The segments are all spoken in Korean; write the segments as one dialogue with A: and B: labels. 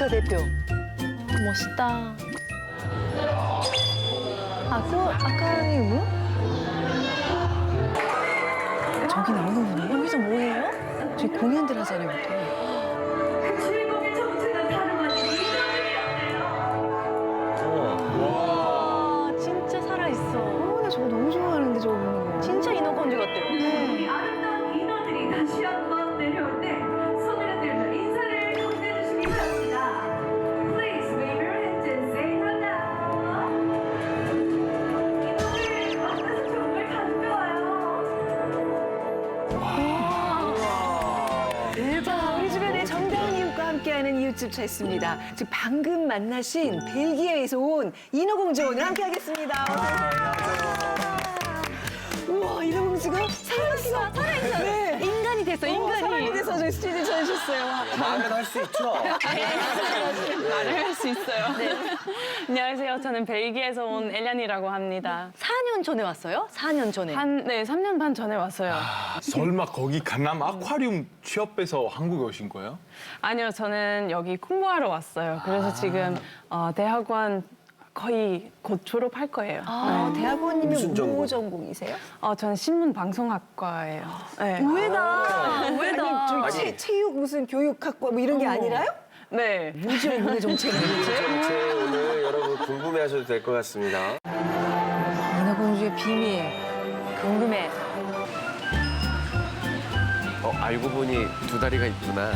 A: 국가대표. 멋있다. 아카리우무? 저기 나오는 분이에요? 여기서 뭐해요? 저기 공연들 하잖아요, 보통.
B: 주인공의 정체는 다름 아닌
A: 와, 진짜 살아있어.
C: 나 저거 너무 좋아하는데, 저거 보는 거.
A: 진짜 인어공주 같대요.
B: 우리 아름다운 인어들이 다시 한번 내려올 때 손을 들며 인사를 건네주시기 바랍니다. Please wave your hands and say hello. 인어들 만나서 정말 반가워요.
C: 대박. 우리 주변에 정다은 이웃과 함께하는 이웃집 찾습니다. 지금 방금 만나신 벨기에에서 온 인어공주 오늘 함께하겠습니다. 어서 오세요. 우와, 인어공주가 살아있어. 살아있어. 네.
A: 인간이 됐어, 인간이.
C: 사람이 돼서 저희 스튜디오 찾으셨어요.
D: 말은 할 수 있죠.
E: 말을 할 수 있어요. 안녕하세요. 저는 벨기에에서 온 엘란이라고 합니다.
A: 4년 전에 왔어요? 4년 전에.
E: 3년 반 전에 왔어요.
F: 설마 거기 강남 아쿠아리움 취업해서 한국에 오신 거예요?
E: 아니요, 저는 여기 공부하러 왔어요. 그래서 지금 대학원 거의 곧 졸업할 거예요.
C: 대학원님이
D: 무슨 전공?
C: 뭐 전공이세요?
E: 저는 신문방송학과예요. 네.
A: 우회다. 우회다.
C: 아니, 저희 체육 무슨 교육학과 뭐 이런 게 아니라요?
E: 네.
C: 뭐지, 오늘 정체는 도대체?
D: 정체 오늘 여러분 궁금해하셔도 될 것 같습니다.
C: 인어공주의 비밀.
A: 궁금해.
D: 알고 보니 두 다리가 있구나.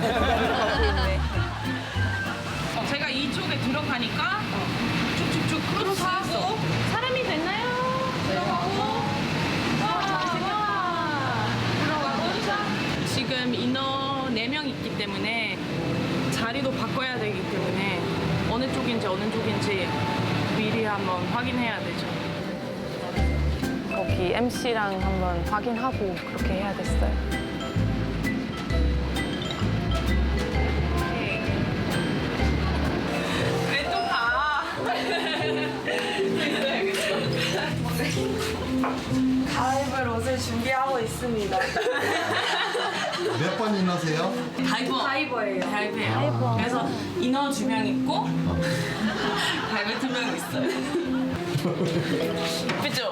G: 제가 이쪽에 들어가니까 쭉쭉쭉 크로스하고 사람이 됐나요? 들어가고 들어가고 지금 인원 4명 있기 때문에 자리도 바꿔야 되기 때문에 어느 쪽인지 미리 한번 확인해야 되죠.
E: 거기 MC랑 한번 확인하고 그렇게 해야 됐어요.
G: 왜 또 가?
H: 가입을 옷을 준비하고 있습니다.
I: 몇 번 인하세요?
G: 다이버예요. 다이버예요. 그래서 인어 2명 있고 다이버 2명 있어요. 그죠?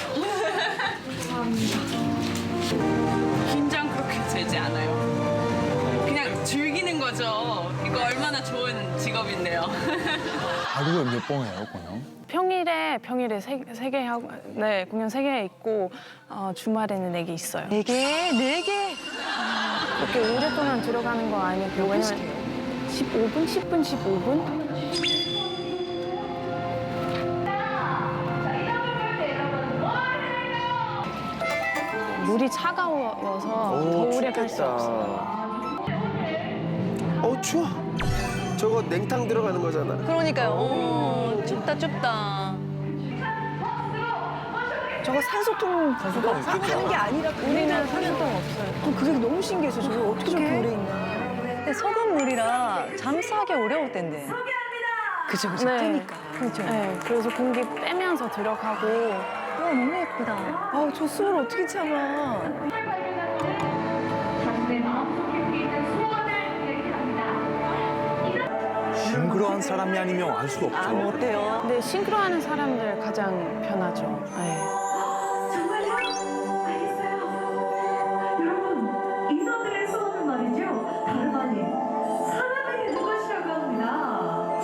G: 긴장 그렇게 되지 않아요. 그냥 즐기는 거죠. 이거 얼마나 좋은 직업인데요.
F: 하루에 몇 번 해요, 공연?
E: 평일에 세 개 하고, 네, 공연 3개 있고, 주말에는 4개 있어요.
A: 4개? 4개?
E: 그렇게 오랫동안 들어가는 거 아니면 왜냐면 15분? 10분, 15분? 물이 차가워서 더 오래 갈 수 없어요.
D: 추워. 저거 냉탕 들어가는 거잖아.
A: 그러니까요. 춥다, 춥다.
C: 저거 산소통 하는 게 아니라
E: 우리는 산소통 없어요.
C: 그게 너무 신기해서 저게 어떻게 저렇게 오래 있나.
A: 근데 소금물이라 잠수하기 어려울 텐데.
C: 그죠, 그죠.
E: 네.
C: 뜨니까.
A: 그렇죠.
E: 네, 그래서 공기 빼면서 들어가고
A: 와, 너무 예쁘다.
C: 아우, 저 숨을 어떻게 참아.
B: 내 마음속에 있는 소원을 얘기합니다.
F: 싱그러운 사람이 아니면 알 수 없죠.
A: 뭐 어때요?
E: 근데 싱크로하는 사람들 가장 편하죠. 네.
B: 정말요? 알겠어요. 여러분, 인어들의 소원은 말이죠. 다름 아닌 사람이 되는 것이라고 합니다.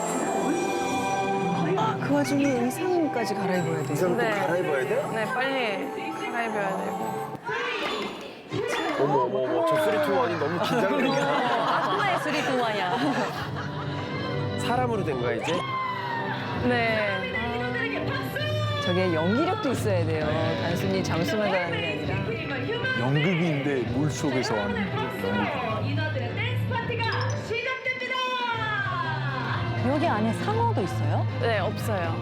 C: 그 와중에 의상까지 갈아입어야 돼.
D: 이상 또
E: 네.
D: 갈아입어야 돼?
E: 네, 빨리 갈아입어야 되고.
D: 어머, 저 쓰리 투원이 너무 긴장된다.
A: 악마의 수리 동화야.
D: 사람으로 된 거야, 이제?
E: 네.
C: 저게 연기력도 있어야 돼요. 단순히 잠수만 잘하는 게 아니라.
F: 연극인데 물 속에서 하는 연극.
B: 인어들의 댄스 파티가 시작됩니다.
A: 여기 안에 상어도 있어요?
E: 네, 없어요.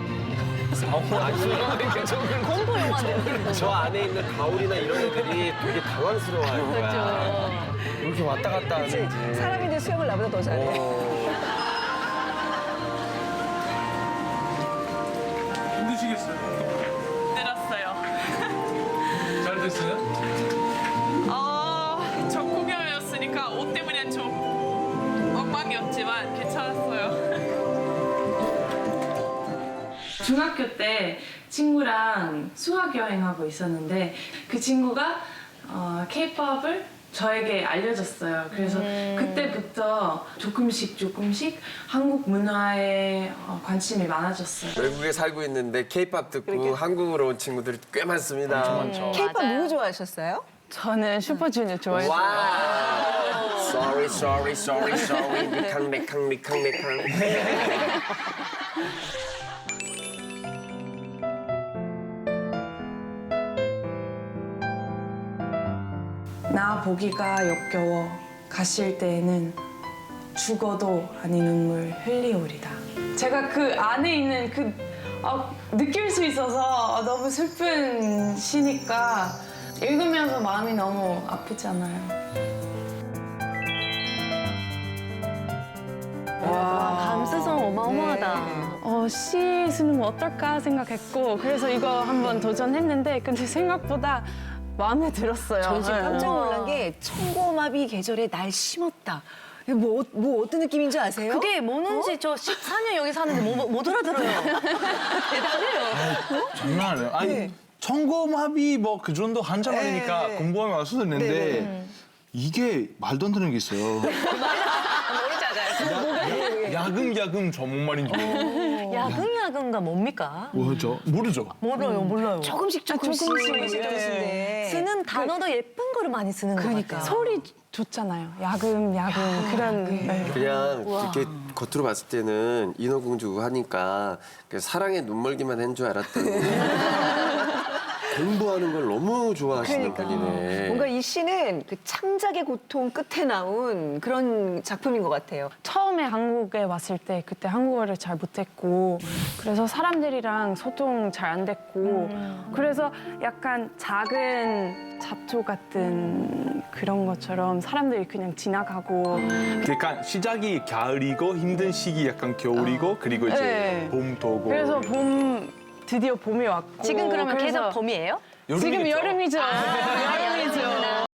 A: 공포 영화인데.
D: 저 안에 있는 가오리나 이런 애들이 되게 당황스러워할 거야. 이렇게 왔다 갔다 하는지.
C: 사람인데 수영을 나보다 더 잘해.
F: 힘드시겠어요?
G: 들었어요.
F: 잘 됐어요?
G: 저 공연이었으니까 옷 때문에 좀 대박이었지만 괜찮았어요.
E: 중학교 때 친구랑 수학 여행하고 있었는데 그 친구가 K-팝을 저에게 알려줬어요. 그래서 그때부터 조금씩 한국 문화에 관심이 많아졌어요.
D: 외국에 살고 있는데 K-팝 듣고 한국으로 온 친구들이 꽤 많습니다.
C: K-팝 누구 좋아하셨어요?
E: 저는 슈퍼주니어 좋아했어요.
D: 와. Sorry. 리캉.
E: 나 보기가 역겨워 가실 때에는 죽어도 아니 눈물 흘리오리다. 제가 그 안에 있는 느낄 수 있어서 너무 슬픈 시니까 읽으면서 마음이 너무 아프잖아요.
A: 감수성 어마어마하다.
E: 시 쓰는 거 어떨까 생각했고 그래서 이거 한번 도전했는데 근데 생각보다 마음에 들었어요.
C: 전 지금 깜짝 놀란 게 청고마비 계절에 날 심었다. 이게 뭐 어떤 느낌인지 아세요?
A: 그게 뭐는지 저 14년 여기 사는데 못 알아들어요. 대단해요.
F: 장난 아니에요. 아니 청고마비 뭐 그 정도 한자말이니까 공부하면 알 수도 있는데 이게 말도 안 되는 게 있어요. 야금 전문말인 줄 알아요.
A: 야금야금가 뭡니까?
F: 뭐죠? 모르죠?
A: 몰라요.
C: 조금씩
A: 네. 쓰는 단어도 예쁜 거를 많이 쓰는 거 같아요.
E: 소리 좋잖아요. 야금 그런. 네.
D: 그냥 이렇게 겉으로 봤을 때는 인어공주 하니까 사랑에 눈멀기만 한 줄 알았더니 공부하는 걸 너무 좋아하시는 분이네.
C: 뭔가 이 시는 그 창작의 고통 끝에 나온 그런 작품인 것 같아요.
E: 처음에 한국에 왔을 때 그때 한국어를 잘 못했고 그래서 사람들이랑 소통 잘 안 됐고 그래서 약간 작은 잡초 같은 그런 것처럼 사람들이 그냥 지나가고
F: 그러니까 시작이 가을이고 힘든 시기 약간 겨울이고 그리고 이제
E: 네.
F: 봄도 오고.
E: 그래서 드디어 봄이 왔고
A: 지금 그러면
E: 그래서
A: 계속 봄이에요?
E: 지금
F: 여름이겠죠?
E: 여름이죠. 여름이죠.